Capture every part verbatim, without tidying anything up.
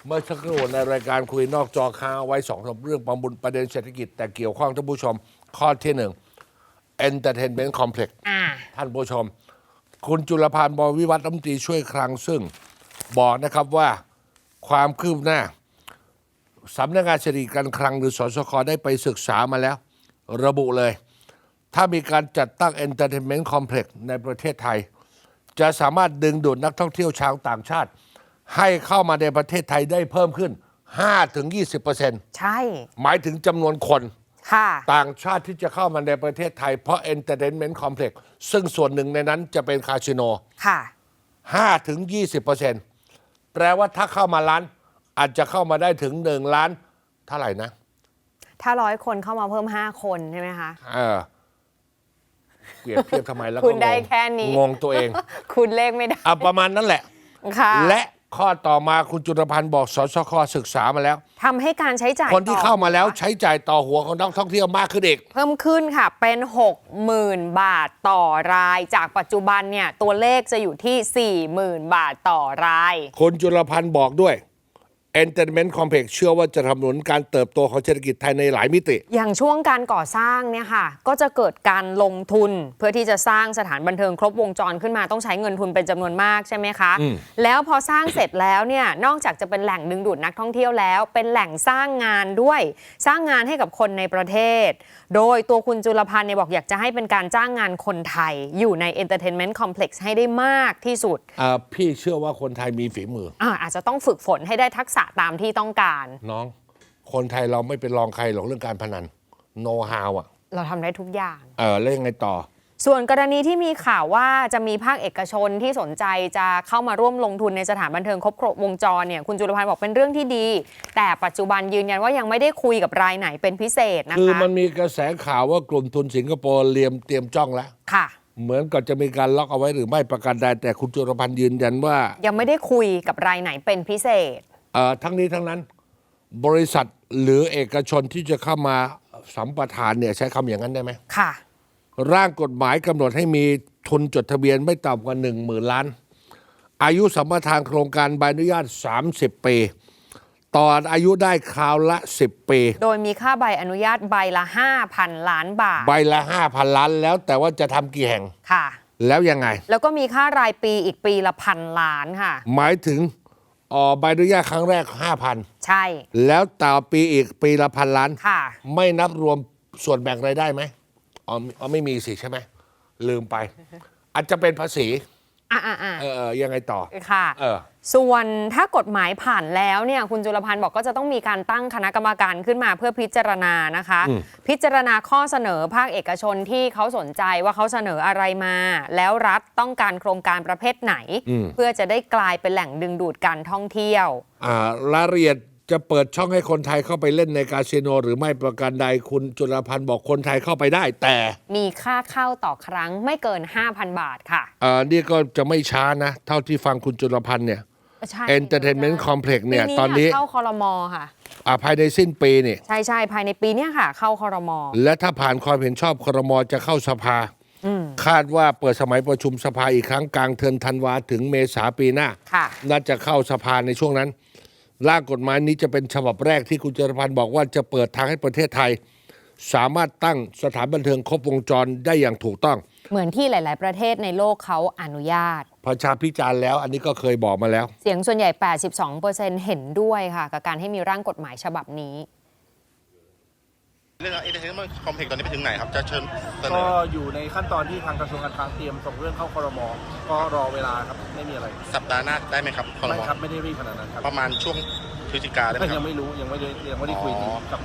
เมื่อสักครู่ในรายการคุยนอกจอค้างไว้สองสามเรื่องประมุนประเด็นเศรษฐกิจแต่เกี่ยวข้องท่านผู้ชมข้อที่หนึ่ง Entertainment Complex ท่านผู้ชม คุณจุลพันธ์ บวรวิวัฒน์รัฐมนตรีช่วยคลังซึ่งบอกนะครับว่าความคืบหน้าสำนักงานเศรษฐกิจการคลังหรือสสคได้ไปศึกษามาแล้ว ระบุเลย ถ้ามีการจัดตั้ง Entertainment Complex ในประเทศไทย จะสามารถดึงดูดนักท่องเที่ยวชาวต่างชาติ ให้เข้ามาในประเทศไทยได้เพิ่มขึ้น ห้าถึงยี่สิบเปอร์เซ็นต์ใช่หมายถึงจำนวนคนค่ะต่างชาติที่จะเข้ามาในประเทศไทยเพราะ Entertainment Complex ซึ่งส่วนหนึ่งในนั้นจะเป็นคาสิโนค่ะห้าถึงยี่สิบเปอร์เซ็นต์ แปลว่าถ้าเข้ามาล้านอาจจะเข้ามาได้ถึงหนึ่งล้านเท่าไหร่นะถ้าร้อยคนเข้ามาเพิ่มห้าคนใช่ไหมคะเออเปรียบเทียบทำไมแล้วก็คุณได้งงแค่นี้งงตัวเองคุณเลขไม่ได้อ่ะประมาณนั้นแหละค่ะและข้อต่อมาคุณจุลพันธ์บอกสสคศึกษามาแล้วทำให้การใช้จ่ายคนที่ต่อเข้ามาแล้วใช้จ่ายต่อหัวของนักท่องเที่ยวมากขึ้นอีกเพิ่มขึ้นค่ะ เป็น หกหมื่น บาทต่อราย จากปัจจุบันเนี่ยตัวเลขจะอยู่ที่ สี่หมื่น บาทต่อรายคุณจุลพันธ์บอกด้วย Entertainment Complex เชื่อว่าจะทำหนุนการเติบโตของเศรษฐกิจไทยในหลายมิติอย่างช่วงการก่อสร้างเนี่ยค่ะ ก็จะเกิดการลงทุน เพื่อที่จะสร้างสถานบันเทิงครบวงจรขึ้นมาต้องใช้เงินทุนเป็นจำนวนมากใช่ไหมคะ แล้วพอสร้างเสร็จแล้วเนี่ยนอกจากจะเป็นแหล่งดึงดูดนักท่องเที่ยวแล้ว เป็นแหล่งสร้างงานด้วย สร้างงานให้กับคนในประเทศ โดยตัวคุณจุลพันธ์เนี่ยบอกอยากจะให้เป็นการจ้างงานคนไทยอยู่ใน Entertainment Complex ให้ได้มากที่สุดอ่าพี่เชื่อว่าคนไทยมีฝีมืออ่าอาจจะต้องฝึกฝนให้ได้ทักษะตามที่ต้องการน้อง คนไทยเราไม่เป็นรองใครหรอกเรื่องการพนันโนฮาวอ่ะเราทำได้ทุกอย่างเออแล้วยังไงต่อส่วนกรณีที่มีข่าวว่าจะมีภาคเอกชนที่สนใจจะเข้ามาร่วมลงทุนในสถานบันเทิงครบวงจรเนี่ยคุณจุลพันธ์บอกเป็นเรื่องที่ดี แต่ปัจจุบันยืนยันว่ายังไม่ได้คุยกับรายไหนเป็นพิเศษนะคะคือมันมีกระแสข่าวว่ากลุ่มทุนสิงคโปร์เตรียมเตรียมจ้องแล้วค่ะเหมือนกับจะมีการล็อกเอาไว้หรือไม่ประการใดแต่คุณจุลพันธ์ยืนยันว่ายังไม่ได้คุยกับรายไหนเป็นพิเศษเอ่อทั้งนี้ทั้งนั้น บริษัทหรือเอกชนที่จะเข้ามาสัมปทานเนี่ยใช้คำอย่างนั้นได้ไหมค่ะร่างกฎหมายกำหนดให้มีทุนจดทะเบียนไม่ต่ำกว่าหนึ่งหมื่นล้าน อายุสัมปทานโครงการใบอนุญาตสามสิบปีต่ออายุได้คราวละสิบปีโดยมีค่าใบอนุญาตใบละ ห้าพัน ล้านบาทใบละห้าพันล้านแล้วแต่ว่าจะทำกี่แห่งค่ะแล้วยังไงแล้วก็มีค่ารายปีอีกปีละพันล้านค่ะหมายถึงอ๋อใบอนุญาตครั้งแรก ห้าพันใช่แล้วต่อปีอีกปีละพันล้านค่ะไม่นับรวมส่วนแบ่งรายได้ไหมอ๋ออ๋อไม่มีสิใช่ไหมลืมไป อาจจะเป็นภาษีอ่าอ่าอ่าเออเออยังไงต่อค่ะเออส่วนถ้ากฎหมายผ่านแล้วเนี่ยคุณจุลพันธ์บอกก็จะต้องมีการตั้งคณะกรรมการขึ้นมาเพื่อพิจารณานะคะ พิจารณาข้อเสนอภาคเอกชนที่เขาสนใจว่าเขาเสนออะไรมา แล้วรัฐต้องการโครงการประเภทไหน เพื่อจะได้กลายเป็นแหล่งดึงดูดการท่องเที่ยวอ่ารายละเอียดจะเปิดช่องให้คนไทยเข้าไปเล่นในคาสิโนหรือไม่ประการใดคุณจุลพันธ์บอกคนไทยเข้าไปได้ แต่มีค่าเข้าต่อครั้งไม่เกิน ห้าพัน บาทค่ะอ่านี่ก็จะไม่ช้านะ เท่าที่ฟังคุณจุลพันธ์เนี่ยใช่ Entertainment Complex เนี่ยปีตอนนี้เข้าคอรมอค่ะอ่าภายในสิ้นปีนี่ใช่ใช่ภายในปีเนี้ยค่ะ เข้าคอรมอและถ้าผ่านความเห็นชอบครมจะเข้าสภา คาดว่าเปิดสมัยประชุมสภาอีกครั้งกลางเดือนธันวาถึงเมษาปีหน้าค่ะน่าจะเข้าสภาในช่วงนั้น ร่างกฎหมายนี้จะเป็นฉบับแรกที่คุณจรพันธ์บอกว่าจะเปิดทางให้ประเทศไทย สามารถตั้งสถานบันเทิงครบวงจรได้อย่างถูกต้องเหมือนที่หลาย ๆ ประเทศในโลกเขาอนุญาตประชาพิจารณ์แล้ว อันนี้ก็เคยบอกมาแล้วเสียงส่วนใหญ่ แปดสิบสองเปอร์เซ็นต์ เห็นด้วยค่ะ กับการให้มีร่างกฎหมายฉบับนี้เรื่อง Entertainment Complex ตอนนี้ไปถึงไหนครับ จะเชิญเสนก็ออยู่ในขั้นตอนที่ทางกระทรวงการคลังเตรียมส่งเรื่องเข้าครม. ก็รอเวลาครับไม่มีอะไรสัปดาห์หน้าได้ไหมครับคอรไม่มครับไม่ได้รีบขนาดนั้นครับประมาณช่วงพฤศจิกาได้ไหมคยัรับงไม่รู้ยังไม่ได้ยังไม่ได้คุยอ๋อกับ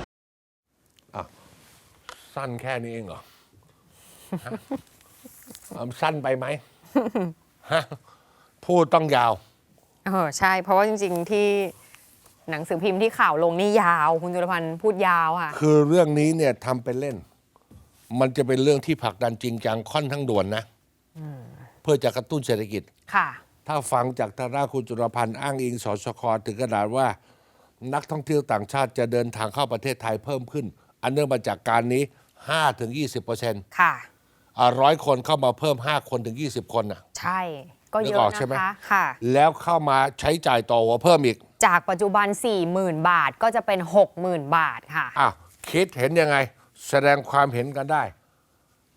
สั้นแค่นี้เองเหรอ ฮะเอาสั้นไปไหม ฮะพูดต้องยาวเออใช่ เพราะว่าจริง ๆ ที่หนังสือพิมพ์ที่ข่าวลงนี่ยาว คุณจุลพันธ์พูดยาวค่ะคือเรื่องนี้เนี่ยทำเป็นเล่น มันจะเป็นเรื่องที่ผลักดันจริงจังค่อนข้างด่วนนะเพื่อจะกระตุ้นเศรษฐกิจค่ะถ้าฟังจากทางด้านคุณจุลพันธ์อ้างอิงสสคถึงขนาดว่า นักท่องเที่ยวต่างชาติจะเดินทางเข้าประเทศไทยเพิ่มขึ้น อันเนื่องมาจากการนี้ ห้าถึงยี่สิบเปอร์เซ็นต์ค่ะร้อยคนเข้ามาเพิ่ม ห้า คนถึง ยี่สิบ คนน่ะใช่ ก็เยนึกออะอกใช่ไหมนะคะ ค่ะแล้วเข้ามาใช้จ่ายต่อหัวเพิ่มอีกจากปัจจุบัน สี่หมื่น บาทก็จะเป็น หกหมื่น บาทค่ะอ้าวคิดเห็นยังไงแสดงความเห็นกันได้